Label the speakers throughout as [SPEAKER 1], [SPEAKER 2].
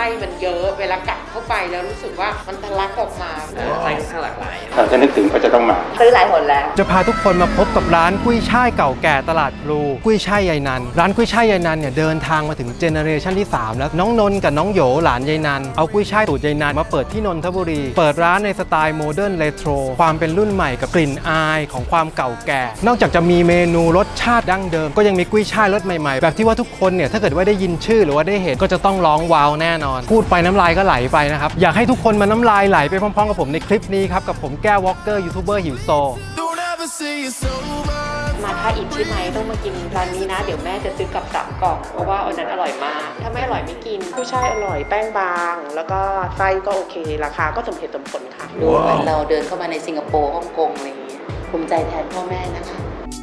[SPEAKER 1] ส้มันเยอะเวลากัดเข้าไปแล้วรู้สึกว่ามันทะลักออกมาไส้ค่อนข้างหลากหลาย
[SPEAKER 2] ถ้านึกถึงก็จะต้องมา
[SPEAKER 3] ซื้อหลายหนแล้ว
[SPEAKER 4] จะพาทุกคนมาพบกับร้านกุ้ยช่ายเก่าแก่ตลาดพลูกุ้ยช่ายยายนันร้านกุ้ยช่ายยายนันเนี่ยเดินทางมาถึงเจเนอเรชันที่3แล้วน้องนนท์กับน้องโหยหลานยายนันเอากุ้ยช่ายสูตรยายนันมาเปิดที่นนทบุรีเปิดร้านในสไตล์โมเดิร์นเรโทรความเป็นรุ่นใหม่กับกลิ่นอายของความเก่าแก่นอกจากจะมีเมนูรสชาติดั้งเดิมก็ยังมีกุ้ยช่ายรสใหม่ๆแบบที่ว่าทุกคนเนี่ยถ้าเกิดว่าได้ยินชื่อหรือว่าได้เห็นก็จะต้องร้องว้าวแน่นอนพูดไปน้ำลายก็ไหลไปนะครับอยากให้ทุกคนมาน้ำลายไหลไปพร้อมๆกับผมในคลิปนี้ครับกับผมแก้ววอล์กเกอร์ยูทูบเบอร์หิวโซ
[SPEAKER 1] มาท่าอิฐใช่ไหมต้องมากินร้านนี้นะเดี๋ยวแม่จะซื้อกลับ3 กล่องเพราะว่าอันนั้นอร่อยมากถ้าไม่อร่อยไม่กินกุ้ยช่ายอร่อยแป้งบางแล้วก็ไส้ก็โอเคราคาก็สมเหตุสมผลค่ะดูเหมือนเราเดินเข้ามาในสิงคโปร์ฮ่องกงอะไรอย่างเงี้ยภูมิใจแทนพ่อแม่นะคะ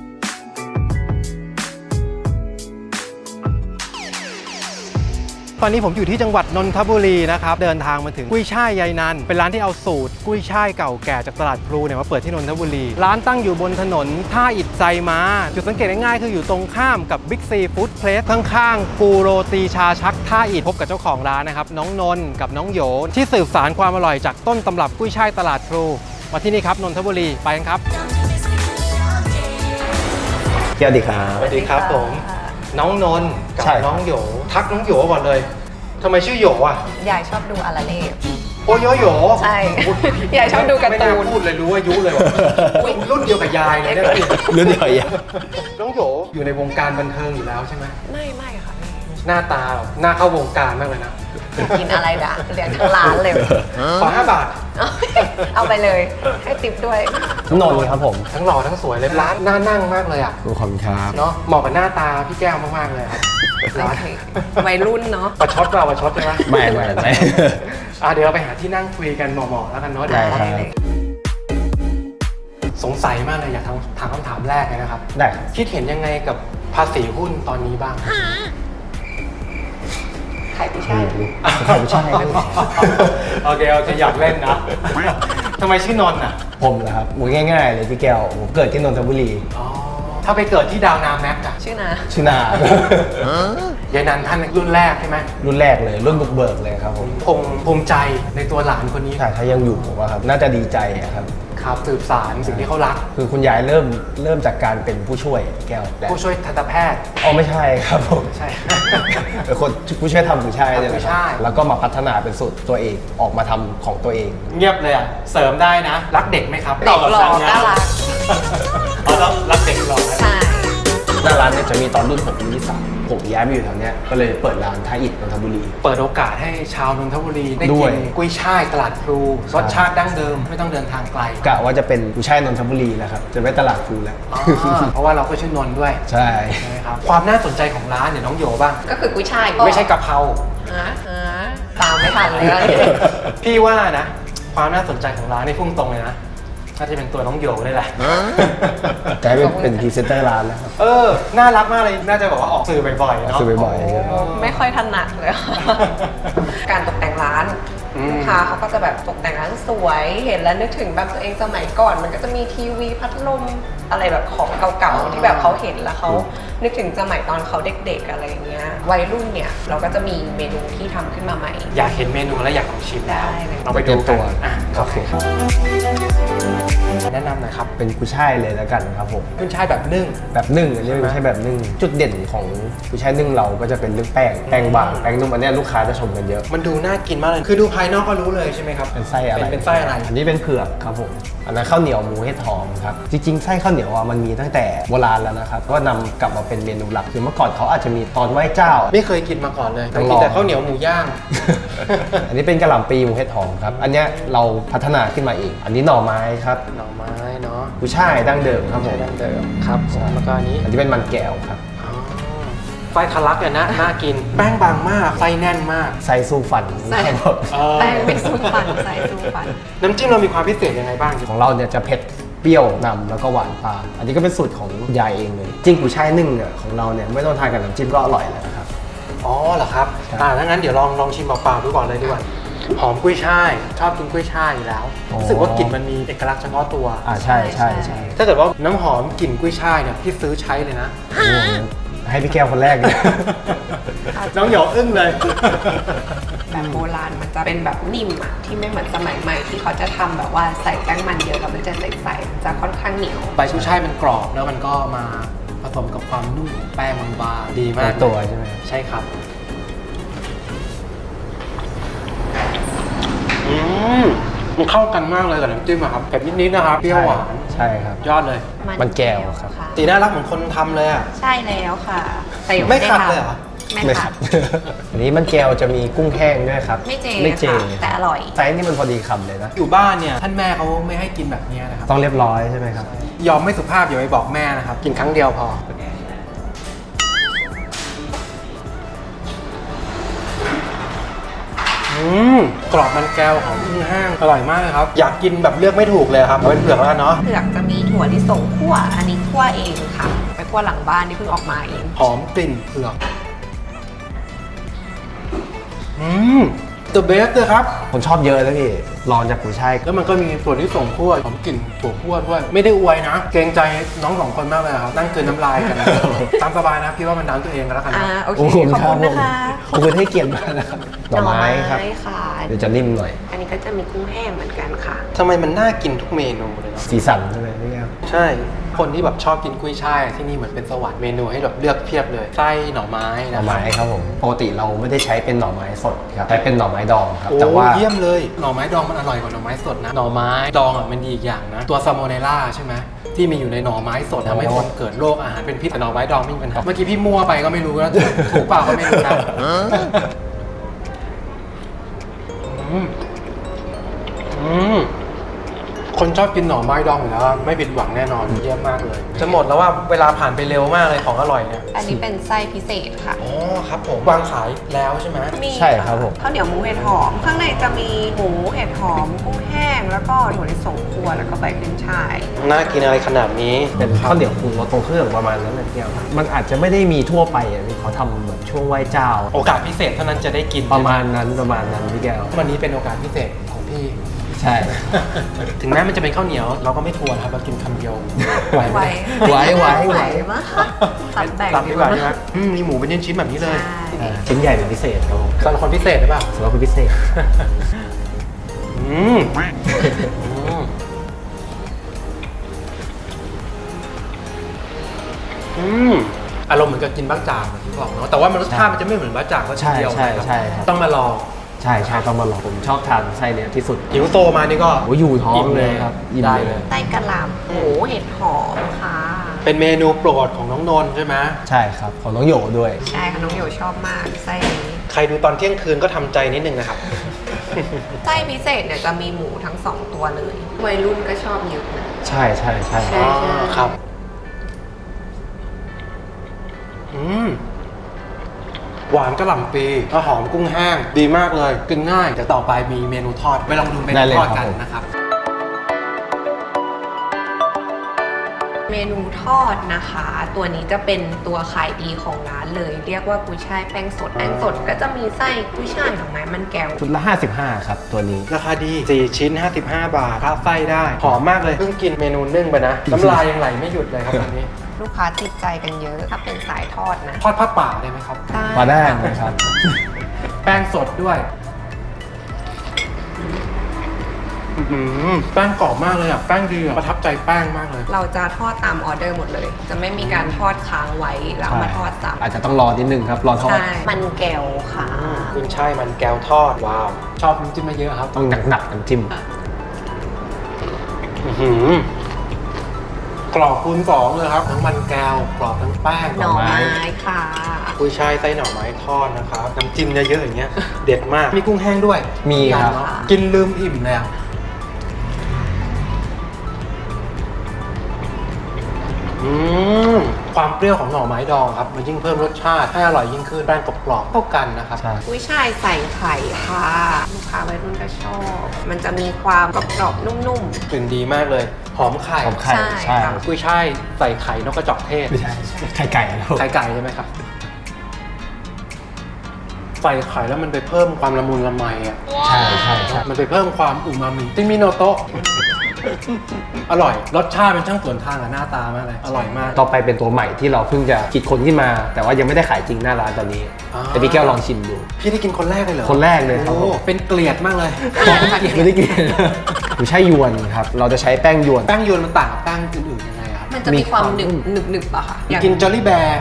[SPEAKER 4] ตอนนี้ผมอยู่ที่จังหวัดนนทบุรีนะครับเดินทางมาถึงกุ้ยช่ายยายนันเป็นร้านที่เอาสูตรกุ้ยช่ายเก่าแก่จากตลาดพลูเนี่ยมาเปิดที่นนทบุรีร้านตั้งอยู่บนถนนท่าอิฐไซม้าจุดสังเกตง่ายๆคืออยู่ตรงข้ามกับบิ๊กซีฟู้ดเพลสข้างๆปูโรตีชาชักท่าอิฐพบกับเจ้าของร้านนะครับน้องนนท์กับน้องโหยที่สืบสานความอร่อยจากต้นตำรับกุ้ยช่ายตลาดพลูมาที่นี่ครับนนทบุรีไปกันครับ
[SPEAKER 5] สวัสดีครับ
[SPEAKER 4] สวัสดีครับผมน้องนนท์กับน้องโหยทักน้องโหยก่อนเลยทำไมชื่อโหยอ่ะ
[SPEAKER 3] ยายชอบดูอาราเล่
[SPEAKER 4] โอ้ยโหย
[SPEAKER 3] ใช่ยายชอบดูการ์ตูน
[SPEAKER 4] ไม่น่าพูดเลยรู้อายุเลยว่ะรุ่นเดียวกับยายเลยเนี่ย
[SPEAKER 5] รุ่นเดียวกัน
[SPEAKER 4] น้องโหยอยู่ในวงการบันเทิงอยู่แล้วใช่ไหม
[SPEAKER 3] ไม่ค่ะ
[SPEAKER 4] หน้าตาหน้าเข้าวงการมากเลยนะ
[SPEAKER 3] กินอะไรด่ะเลี้ยงทั้งร้านเลย
[SPEAKER 4] ขอ5 บาท
[SPEAKER 3] เอาไปเลยให้ติปด้วย
[SPEAKER 5] นนท์ครับผม
[SPEAKER 4] ทั้งหล่อทั้งสวยเลยร้านน่านั่งมากเลยอ่ะ
[SPEAKER 5] ขอบคุณครับ
[SPEAKER 4] เนาะเหมาะกับหน้าตาพี่แก้วมากๆเลยครับ
[SPEAKER 3] วัยรุ่นเนาะ
[SPEAKER 4] ประชดเราประชดใช่ไหม
[SPEAKER 5] ไม่
[SPEAKER 4] เดี๋ยวเราไปหาที่นั่งคุยกันเหมาะๆแล้วกันเนาะเดี๋ยวสงสัยมากเลยอยากถามคำถามแรกเลยนะครับ
[SPEAKER 5] ได้
[SPEAKER 4] คิดเห็นยังไงกับภาษีหุ้นตอนนี้บ้าง
[SPEAKER 3] ขายไม่ใช่
[SPEAKER 5] ขายไม่ใช่
[SPEAKER 4] โอเคอยากเล่นนะทำไมชื่อนนท์อ่ะ
[SPEAKER 5] ผมนะครับง่ายๆเลยพี่แก้วผมเกิดที่นนทบุรี
[SPEAKER 4] ถ้าไปเกิดที่ดาวนาแม็กอะ
[SPEAKER 3] ชื่อนา
[SPEAKER 4] ยายนันท่านรุ่นแรกใช่ไหม
[SPEAKER 5] รุ่นแรกเลยรุ่นบุกเบิกเลยครับผม
[SPEAKER 4] ภูมิใจในตัวหลานคนนี้
[SPEAKER 5] ถ้ายังอยู่ผมว่าครับน่าจะดีใจครับ
[SPEAKER 4] สืบสานสิ่งที่เขารัก
[SPEAKER 5] คือคุณยายเริ่มจากการเป็นผู้ช่วยแก้ว
[SPEAKER 4] ผู้ช่วยทันตแพทย์
[SPEAKER 5] ไม่ใช่ครับผม
[SPEAKER 4] ใช่
[SPEAKER 5] เป็นคนผู้ช่วยทำผู้ช่วยเลยครับแล้วก็มาพัฒนาเป็นสูตรตัวเองออกมาทำของตัวเอง
[SPEAKER 4] เงียบเลยอ่ะเสริมได้นะรักเด็กไหมครับ
[SPEAKER 3] เด็กหล่อน่ารัก
[SPEAKER 4] แล้วรักเด็กหล่อ
[SPEAKER 3] ใช่
[SPEAKER 5] หน้าร้านเนี่ยจะมีตอนรุ่นผมรุ่นที่3ผมย้ายมาอยู่แถวเนี้ยก็เลยเปิดร้านท่าอิฐนนทบุรี
[SPEAKER 4] เปิดโอกาสให้ชาวนนทบุรีได้กินกุ้ยช่ายตลาดพลูรสชาติดั้งเดิมไม่ต้องเดินทางไกล
[SPEAKER 5] กะว่าจะเป็นกุ้ยช่ายนนทบุรีแล้วครับจะไม่ตลาดพลูแล้ว
[SPEAKER 4] เพราะว่าเราก็ชื่อนนท์ด้วย
[SPEAKER 5] ใช่
[SPEAKER 4] ครับความน่าสนใจของร้านเนี่ยน้องโยบ้าง
[SPEAKER 3] ก็คือกุ้ยช่าย
[SPEAKER 4] ไม่ใช่กะเพรา
[SPEAKER 3] ตามไม่ทันเลย
[SPEAKER 4] พี่ว่านะความน่าสนใจของร้านนี่พุ่งตรงเลยนะน่าจะเป็นตัวน้องโยนี่แหละ
[SPEAKER 5] กลายเป็นพรีเซนเตอร์ร้านแล้วครับ
[SPEAKER 4] น่ารักมากเลยน่าจะบอกว่าออกสื่อบ่อยๆเนาะ
[SPEAKER 5] สื่อบ่อย
[SPEAKER 3] ๆไม่ค่อยถนัดเลยการตกแต่งร้านลูกค้าเขาก็จะแบบตกแต่งร้านสวยเห็นแล้วนึกถึงแบบตัวเองสมัยก่อนมันก็จะมีทีวีพัดลมอะไรแบบของเก่าๆที่แบบเขาเห็นแล้วเขานึกถึงสมัยตอนเขาเด็กๆอะไรเงี้ยวัยรุ่นเนี่ยเราก็จะมีเมนูที่ทำขึ้นมาใหม่
[SPEAKER 4] อยากเห็นเมนูแล้วอยากลองชิม
[SPEAKER 3] ได้
[SPEAKER 4] เราไปดูตัว
[SPEAKER 5] โอเค
[SPEAKER 4] แนะนำหน่อยครับ
[SPEAKER 5] เป็นกุ้ยช่ายเลยแล้วกันครับผม
[SPEAKER 4] กุ้ยช่ายแบบนึ่ง
[SPEAKER 5] อันนี้ไม่ใช่แบบนึ่งจุดเด่นของกุ้ยช่ายนึ่งเราก็จะเป็นเรื่องแป้งบางแป้งนุ่มอันนี้ลูกค้าจะชมกันเยอะ
[SPEAKER 4] มันดูน่ากินมากเลยคือดูภายนอกก็รู้เลยใช่ไหมครับ
[SPEAKER 5] เป็นไส้อะไรอันนี้เป็นเผือกครับผมอันนั้นข้าวเหนียวหมูเห็ดหอมครับจริงๆไส้ข้าวเหนียวมันมีตั้งแต่โบราณแล้วนะครับก็นำกลับมาเป็นเมนูหลักคือเมื่อก่อนเขาอาจจะมีตอนไหว้เจ้า
[SPEAKER 4] ไม่เคยกินมาก่อนเลยเคยกินแต่ข้าวเหนียวหมูย่าง
[SPEAKER 5] อันนี้เป็นกะหล่ำปีหมูเห็ดหอมครับอันนี้เราพัฒนาขึ้นมาเองอันนี้หน่อไม้ครับ
[SPEAKER 4] หน่อไม้เนาะ
[SPEAKER 5] กุ้ยช่ายดั้งเดิมครับผม
[SPEAKER 4] ดั้งเดิมครับแล้วก็อันนี้
[SPEAKER 5] เป็นมันแก้วครับ
[SPEAKER 4] ไส้ทะลักเนี่ยนะน่ากินแป้งบางมากไส้แน่นมาก
[SPEAKER 5] ไส้สู้ฟัน
[SPEAKER 3] แป้งไม่สู้ฟันไส้สู้ฟัน
[SPEAKER 4] น้ำจิ้มเรามีความพิเศษยังไงบ้าง
[SPEAKER 5] ของเราเนี่ยจะเผ็ดเปรี้ยวนำแล้วก็หวานปลาอันนี้ก็เป็นสูตรของยายเองเลยจริงกุ้ยช่ายนึ่งเนี่ยของเราเนี่ยไม่ต้องทานกับน้ำจิ้มก็อร่อยแล้วนะครับ
[SPEAKER 4] เหรอครับถ้างั้นเดี๋ยวลองชิมเปล่าๆดูก่อนเลยดีกว่าหอมกุ้ยช่ายชอบกินกุ้ยช่ายอยู่แล้วรู้สึกว่ากลิ่นมันมีเอกลักษณ์เฉพาะตัว
[SPEAKER 5] ใช่
[SPEAKER 4] ถ้าเกิดว่าน้ำหอมกลิ่นกุ้ยช่ายเนี่ยพี่ซื้อใช้เลยนะ
[SPEAKER 5] ให้พี่แก้วคนแรกเลย
[SPEAKER 4] น้องหยอกอึ้งเลย
[SPEAKER 3] แบบโบราณมันจะเป็นแบบนิ่มอะที่ไม่เหมือนสมัยใหม่ที่เขาจะทำแบบว่าใส่แป้งมันเยอะแล้วมันจะใสๆมันจะค่อนข้างเหนียว
[SPEAKER 4] ใบกุ้ยช่ายมันกรอบแล้วมันก็มาผสมกับความนุ่มของแป้งบางๆดีมาก
[SPEAKER 5] ตัวใช่ไหม
[SPEAKER 4] ใช่ครับมันเข้ากันมากเลยกับน้ำจิ้มอะครับเผ็ดนิดๆนะครับเปรี้ยวหวาน
[SPEAKER 5] ใช่ครับ
[SPEAKER 4] ยอดเลย
[SPEAKER 5] มันแก้วครับ
[SPEAKER 3] ะ
[SPEAKER 4] สีน่ารักเหมือนคนทำเลยอ่ะ
[SPEAKER 3] ใช่แล้วค่ะแต่ยัง
[SPEAKER 4] ไม่
[SPEAKER 3] ด้
[SPEAKER 4] ขัด
[SPEAKER 3] ทำ
[SPEAKER 4] เลยเหรอ
[SPEAKER 3] ไม่ขัด
[SPEAKER 5] อันนี้มันแก้วจะมีกุ้งแห้งด้วยครับ
[SPEAKER 3] ไม่เจ
[SPEAKER 5] ไม่เจ
[SPEAKER 3] ค่ะแต่อร่อย
[SPEAKER 5] ไซส์นี่มันพอดีคำเลยนะ
[SPEAKER 4] อยู่บ้านเนี่ยท่านแม่เขาไม่ให้กินแบบนี้นะครับ
[SPEAKER 5] ต้องเรียบร้อยใช่ไหมครับ
[SPEAKER 4] ยอมไม่สุภาพอย่าไปบอกแม่นะครับ กินครั้งเดียวพอ กรอบมันแก้วของกุ้งแห้งอร่อยมากเลยครับ อยากกินแบบเลือกไม่ถูกเลยครับเอาเป็นเผือกแล้วกันเนาะ
[SPEAKER 3] เผือกจะมีถั่วลิสงคั่วอันนี้คั่วเองค่ะ ไปคั่วหลังบ้านที่เพิ่งออกมาเอง
[SPEAKER 4] หอมกลิ่นเผือกตัวเบสเลยครับ
[SPEAKER 5] ผมชอบเยอะนะพี่รองจากกุ้ยช่าย
[SPEAKER 4] แล้วมันก็มีส่วนที่ส่งคั่วหอมกลิ่นถั่วคั่วด้วย ไม่ได้อวยนะ เกรงใจน้องสองคนมากเลยครับ นั่งเกินน้ำลายกัน ตามสบายนะพี่ว่ามันน้ำตัวเองกันแล้วกันนะ
[SPEAKER 3] โอเคขอบคุณนะคะ
[SPEAKER 5] ขอบคุณให้เกียรติมากนะครับหน่อไม้ครับ
[SPEAKER 3] ค่ะ
[SPEAKER 5] เดี๋ยวจะนิ่มหน่อย
[SPEAKER 3] อันนี้ก็จะมีกุ้งแห้งเหมือนกันค่ะ
[SPEAKER 4] ทำไมมันน่ากินทุกเมนูเลยเนาะ
[SPEAKER 5] สีสันใช่ไหมพี่แก้ว
[SPEAKER 4] ใช่ คนที่แบบชอบกินกุ้ยช่ายที่นี่เหมือนเป็นสวรรค์เมนูให้แบบเลือกเพียบเลย ไส้หน่อไม้
[SPEAKER 5] หน่
[SPEAKER 4] นะ
[SPEAKER 5] อไม้ครับผมปกติเราไม่ได้ใช้เป็นหน่อไม้สดครับใช้เป็นหน่อไม้ดองครับ
[SPEAKER 4] โอ้
[SPEAKER 5] แต่ว่า
[SPEAKER 4] เยี่ยมเลย หน่อไม้ดองมันอร่อยกว่าหน่อไม้สดนะ หน่อไม้ดองอ่ะมันดีอีกอย่างนะ ตัวซาโมเนล่าใช่ไหมที่มีอยู่ในหน่อไม้สดทำให้คนเกิดโรคอาหารเป็นพิษแต่หน่อไม้ดองไม่มีปัญหา เมื่อกี้พี่มั่วไปก็ไม่รู้นะถูกเปล่าก็ไม่รู้นะคนชอบกินหน่อไม้ดองอยู่แล้วไม่ผิดหวังแน่นอนเยี่ยมมากเลย จะหมดแล้วว่าเวลาผ่านไปเร็วมากเลยของอร่อยเนี่ย
[SPEAKER 3] อันนี้เป็นไส้พิเศษค่ะ
[SPEAKER 4] อ๋อครับผมวางขายแล้วใช่ไหม
[SPEAKER 3] มี
[SPEAKER 5] ใช่ครับผม
[SPEAKER 3] ข้าวเหนียวหมูเห็ดหอม ข้างในจะมีหมูเห็ดหอมกุ้งแห้ง แล้วก็ถั่วลิสงคั่วแล้วก็ใบขึ้นช่าย
[SPEAKER 4] น่ากินอะไรขนาดนี้
[SPEAKER 5] เป็นข้าวเหนียวปรุงรสตรงเครื่องประมาณนั้นนะพี่แก้วมันอาจจะไม่ได้มีทั่วไปอ่ะพี่เขาทำแบบช่วงไหว้เจ้า
[SPEAKER 4] โอกาสพิเศษเท่านั้นจะได้กิน
[SPEAKER 5] ประมาณนั้นพี่แก้ว
[SPEAKER 4] วันนี้เป็นโอกาสพิเศษของพี่
[SPEAKER 5] ใช่
[SPEAKER 4] ถึงแม้มันจะเป็นข้าวเหนียวเราก็ไม่ทวนครับเรากินคำเดียวไหวไหม
[SPEAKER 5] ไหว
[SPEAKER 3] มากตับแบ่ง
[SPEAKER 4] ตับดีกว่าใช่ไหมมีหมูเป็นชิ้นๆแบบนี้เลย
[SPEAKER 3] ใช่
[SPEAKER 5] ชิ้นใหญ่เป็นพิเศษครับผม
[SPEAKER 4] สำหรับคนพิเศษหรือเปล่า
[SPEAKER 5] สำหรับคนพิเศษ
[SPEAKER 4] อืมอารมณ์เหมือนกับกินบ้างจากที่บอกเนาะแต่ว่ามันรสชาติมันจะไม่เหมือนบ้างจากก็ทีเดียว
[SPEAKER 5] ใช่ครับ
[SPEAKER 4] ต้องมาลอง
[SPEAKER 5] ใช่ต้องมาลองผมชอบทานไส้เนี้ยที่สุด
[SPEAKER 4] หิวโตมานี่ก็
[SPEAKER 5] โอ้อยู่ท้องเลยครับอิ่ม
[SPEAKER 4] ได้
[SPEAKER 5] เล
[SPEAKER 4] เลย ย
[SPEAKER 3] ไส้กะหล่ำหมูเห็ดหอมค่ะ
[SPEAKER 4] เป็นเมนูโปรดของน้องนนท์ใช่ไหม
[SPEAKER 5] ใช่ครับของน้องโหยด้วย
[SPEAKER 3] ใช่ค่ะน้องโยชอบมากไส้นี้
[SPEAKER 4] ใครดูตอนเที่ยงคืนก็ทำใจนิดนึงนะครับ
[SPEAKER 3] ไส้พิเศษเนี่ยจะมีหมูทั้ง 2 ตัวเลยวัยรุ่นก็ชอบเยอะนะ
[SPEAKER 5] ใช่
[SPEAKER 3] ใช่
[SPEAKER 4] ครับ หวานกระหล่ำปีแล้วหอมกุ้งแห้งดีมากเลยกินง่ายเดี๋ยวต่อไปมีเมนูทอดไปลองดูเมนูทอดกันนะครับ
[SPEAKER 3] เมนูทอดนะคะ ตัวนี้จะเป็นตัวขายดีของร้านเลย เรียกว่ากุ้ยช่ายแป้งสดแป้งสดก็จะมีไส้กุ้ยช่ายหน่อไม้มันแก้ว
[SPEAKER 5] ชุดละ 55 ครับตัวนี้
[SPEAKER 4] ราคาดี 4 ชิ้น 55 บาทพาไส้ได้หอมมากเลยเพิ่งกินเมนูนึ่งไปนะน้ำลายยังไหลไม่หยุดเลยครับตอนนี้
[SPEAKER 3] ลูกค้าติดใจกันเยอะถ้าเป็นสายทอดนะ
[SPEAKER 4] ทอดผ้าป่าได้ไหมครับ
[SPEAKER 5] มาได้นะครับ
[SPEAKER 4] แป้งสดด้วยแป้งกรอบมากเลยอ่ะแป้งดีอ่ะประทับใจแป้งมากเลย
[SPEAKER 3] เราจะทอดตามออเดอร์หมดเลย จะไม่มีการทอดค้างไว้แล้วเอามาทอดซ้ำ
[SPEAKER 5] อาจจะต้องรอนิดนึงครับ รอทอด
[SPEAKER 3] ใช่มันแก้วค่ะ
[SPEAKER 4] คุณใช่มันแก้วทอดว้าวชอบน้ำจิ้มมาเยอะครับ
[SPEAKER 5] ต้องหนักๆน้ำจิ้ม
[SPEAKER 4] กรอบคูณ2เลยครับทั้งมันแก้วกรอบทั้งแป้ง
[SPEAKER 3] หน่อไม้ค่ะ
[SPEAKER 4] กุ้ยช่ายไส้หน่อไม้ทอดนะครับน้ำจิ้มเยอะๆอย่างเงี้ยเด็ดมากมีกุ้งแห้งด้วย
[SPEAKER 5] มีครับ
[SPEAKER 4] กินลืมอิ่มเลยอ่ะความเปรี้ยวของหน่อไม้ดองครับมันยิ่งเพิ่มรสชาติให้อร่อยยิ่งขึ้นแป้งกรอบๆเข้ากันนะครับ
[SPEAKER 5] ใช่
[SPEAKER 3] กุ้ยช่ายใส่ไข่ค่ะลูกค้าวัยรุ่นก็ชอบ มันจะมีความกรอบๆนุ่ม
[SPEAKER 4] กลิ่นดีมากเลยหอมไข่
[SPEAKER 5] ของไข่
[SPEAKER 3] ใช่
[SPEAKER 5] ใช่
[SPEAKER 3] ครับ
[SPEAKER 4] กุ้ยช่ายใส่ไข่นกกระจอกเทศ
[SPEAKER 5] ไม่ใช่ไข่ไก่แล้ว
[SPEAKER 4] ไข่ไก่ใช่ไหมครับใส่ไข่แล้วมันไปเพิ่มความละมุนละไมอ่ะ
[SPEAKER 5] ใช่
[SPEAKER 4] มันไปเพิ่มความอูมามิติมิโนโตะอร่อยรสชาติเป็นช่างสวนทางกับหน้าตามากเลยอร่อยมาก
[SPEAKER 5] ต่อไปเป็นตัวใหม่ที่เราเพิ่งจะคิดค้นขึ้นมา แต่ว่ายังไม่ได้ขายจริงหน้าร้านตอนนี้
[SPEAKER 4] อ่า
[SPEAKER 5] แต่พี่แก้วลองชิมดู
[SPEAKER 4] พี่ได้กินคนแรกเลยเหรอ
[SPEAKER 5] คนแรกเลยครับผม
[SPEAKER 4] โอ้เป็นเกลียดมากเลย
[SPEAKER 5] ไม่ได้กินกุยช่ายยวนครับเราจะใช้แป้งยวน
[SPEAKER 4] แป้งยวนมันต่างกับแป้งอื่นๆยังไงครับ
[SPEAKER 3] มันจะมีความ
[SPEAKER 5] มีความ
[SPEAKER 3] หนึบ
[SPEAKER 5] นุ่ม
[SPEAKER 3] หนึบหนึบอะค่ะอย่าง
[SPEAKER 4] กินจอลลี่แบร์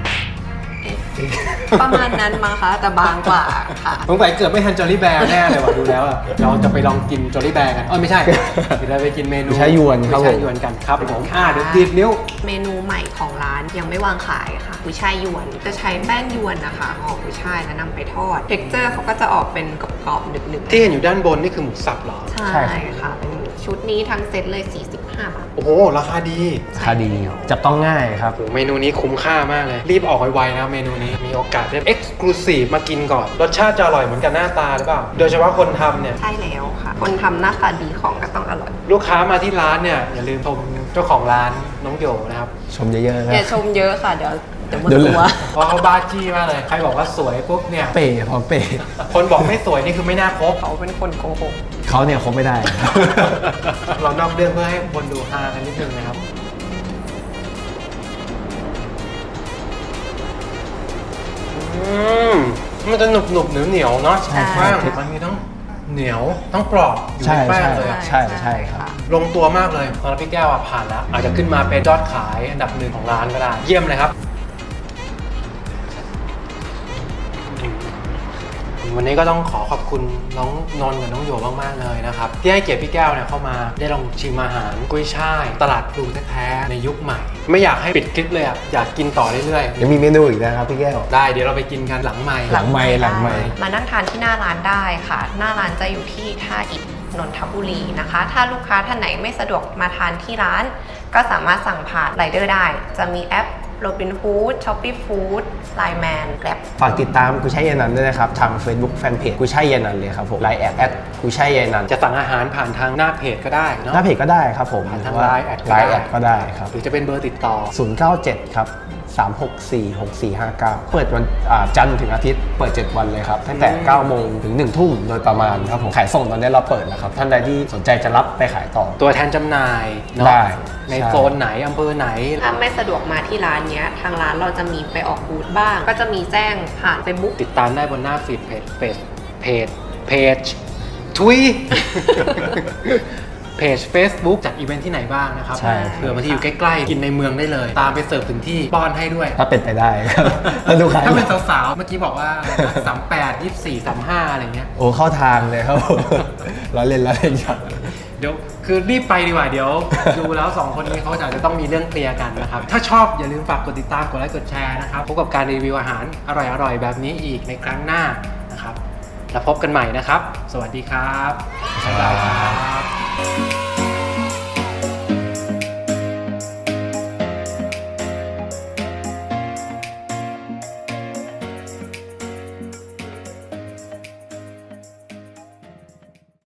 [SPEAKER 3] ประมาณนั้นมั้งคะแต่บางกว่าค่ะ
[SPEAKER 4] สงสัยเกือบไม่ทันจอลลี่แบร์แน่เลยว่ะดูแล้วอะเราจะไปลองกินจอลลี่แบร์กันไม่ใช่เดี๋ยวเราไปกินเมนู
[SPEAKER 5] กุยช่ายยวนครับ
[SPEAKER 4] กุย
[SPEAKER 5] ผ
[SPEAKER 4] ช่าย
[SPEAKER 5] ม
[SPEAKER 4] ยวนกันครับผมเดี๋ยวดีดนิ้ว
[SPEAKER 3] เมนูใหม่ของร้านยังไม่วางขายค่ะกุยช่ายยวนจะใช้แป้งยวนนะคะห่อกุยช่ายแล้วนำไปทอดเท็กเจอร์เขาก็จะออกเป็นกรอบๆหนึบๆ
[SPEAKER 4] ที่เห็นอยู่ด้านบนนี่คือหมูสับเหรอ
[SPEAKER 3] ใช่ค่ะเป็นชุดนี้ทั้งเซ็ตเลย 45 บาท
[SPEAKER 4] โอ้โหราคาดี
[SPEAKER 5] ราคาดีจับต้องง่ายครับ
[SPEAKER 4] โอ้โหเมนูนี้คุ้มค่ามากเลย รีบออกไวๆนะเมนูนี้มีโอกาสได้ Exclusive มากินก่อน รสชาติจะอร่อยเหมือนกันหน้าตาหรือเปล่า โดยเฉพาะคนทำเนี่ย
[SPEAKER 3] ใช่แล้วค่ะ คนทำหน้าตาดีของก็ต้องอร่อย
[SPEAKER 4] ลูกค้ามาที่ร้านเนี่ย อย่าลืมชมเจ้าของร้านน้องโยนะครับ
[SPEAKER 5] ชมเยอะๆนะ
[SPEAKER 3] อย่าชมเยอะค่ะ เดี๋ยวหมด
[SPEAKER 5] เดี๋ยวเหลื
[SPEAKER 3] ตั
[SPEAKER 5] อ
[SPEAKER 3] ว
[SPEAKER 4] เพราะเขาบ้าจี้มากเลย ใครบอกว่าสวยปุ๊บเนี่ย
[SPEAKER 5] เป๋พร้อมเป๋
[SPEAKER 4] คนบอกไม่สวยนี่คือไม่น่าคบ
[SPEAKER 3] เขาเป็นคนโกหก
[SPEAKER 5] เขาเนี่ยคบไม่ได้
[SPEAKER 4] เรานอกเรื่องเพื่อให้คนดูฮากันนิดนึงนะครับมันจะหนุบเหนียวๆเนาะ
[SPEAKER 5] ใช่
[SPEAKER 4] แป้งมันมีทั้งเหนียวทั้งกรอบอยู่
[SPEAKER 5] ใช่
[SPEAKER 4] ในแป้ง
[SPEAKER 5] ใช่
[SPEAKER 4] เลยอะ
[SPEAKER 5] ใช่ครับ
[SPEAKER 4] ลงตัวมากเลยสำหรับพี่แก้วอะผ่านแล้ว อาจจะขึ้นมาเป็นยอดขายอันดับหนึ่งของร้านก็ได้ เยี่ยมเลยครับ วันนี้ก็ต้องขอขอบคุณน้องนนท์กับน้องโยมากๆเลยนะครับ ที่ให้เกียรติพี่แก้วเนี่ยเข้ามาได้ลองชิมอาหารกุ้ยช่ายตลาดพลูแท้ๆในยุคใหม่ ไม่อยากให้ปิดคลิปเลยอ่ะอยากกินต่อเรื่อย
[SPEAKER 5] ยังมีเมนูอีกนะครับพี่แก้ว
[SPEAKER 4] ๆได้เดี๋ยวเราไปกินกันหลังใหม่
[SPEAKER 5] หลังไมค์หลังไมค์
[SPEAKER 3] มานั่งทานที่หน้าร้านได้ค่ะ หน้าร้านจะอยู่ที่ท่าอิฐนนทบุรีนะคะ ถ้าลูกค้าท่านไหนไม่สะดวกมาทานที่ร้าน ก็สามารถสั่งผ่านไรเดอร์ได้ จะมีแอป Robinhood Shopee Food Line Man Grab
[SPEAKER 5] ฝากติดตามกุยช่ายเยนันด้วยนะครับ ทาง Facebook Fanpage กุยช่ายเยนันเลยครับผมไลน์แอดกุยช่ายเยนัน
[SPEAKER 4] จะสั่งอาหารผ่านทางหน้าเพจก็ได้เนาะ
[SPEAKER 5] หน้าเพจก็ได้ครับผม
[SPEAKER 4] ผ่านทาง
[SPEAKER 5] หรือว่า
[SPEAKER 4] Line แอดก็
[SPEAKER 5] ไล
[SPEAKER 4] ได้
[SPEAKER 5] น์แอดก็ได้ครับ
[SPEAKER 4] หรือจะเป็นเบอร์ติดต่อ
[SPEAKER 5] 097 ครับ 3646459 เปิดวันจันทร์ถึงอาทิตย์เปิด 7 วันเลยครับ ตั้งแต่ 9 โมงถึง 1 ทุ่มโดยประมาณครับผมขายส่งตอนนี้เราเปิดแล้วครับ ท่านใดที่สนใจจะรับไปขายต่อ
[SPEAKER 4] ตัวแทนจำหน่ายเนาะ
[SPEAKER 5] ได้
[SPEAKER 4] ใน
[SPEAKER 5] ใช่
[SPEAKER 4] โซนไหนอำเภอไหน
[SPEAKER 3] ถ้าไม่สะดวกมาที่ร้านเนี้ย ทางร้านเราจะมีไปออกบูธบ้าง ก็จะมีแจ้งผ่าน Facebook
[SPEAKER 4] ติดตามได้บนหน้าฟีดเพจทุย เพจ Facebook จัดอีเวนท์ที่ไหนบ้างนะครับ
[SPEAKER 5] ใช่
[SPEAKER 4] เผื่อบางที่อยู่ใกล้ๆ กินในเมืองได้เลย ตามไปเสิร์ฟถึงที่ป้อนให้ด้วย
[SPEAKER 5] ถ้าเป็นไปได้ครับถ้าลูกค้า
[SPEAKER 4] ถ้าเป็นสาวๆ เมื่อกี้บอกว่า 38 24 35 อะไรเงี้ย
[SPEAKER 5] โอ้เข้าทางเลยครับผม ล้อเล่นครับ
[SPEAKER 4] เดี๋ยวคือรีบไปดีกว่าเดี๋ยว ดูแล้ว2คนนี้เขาอาจจะต้องมีเรื่องเคลียร์กันนะครับ ถ้าชอบอย่าลืมฝากกดติดตามกดไลค์กดแชร์นะครับพบกับการรีวิวอาหารอร่อยๆ แบบนี้อีกในครั้งหน้านะครับแล้วพบกันใหม่นะครับ สวัสดีครับบ๊ายบายครับ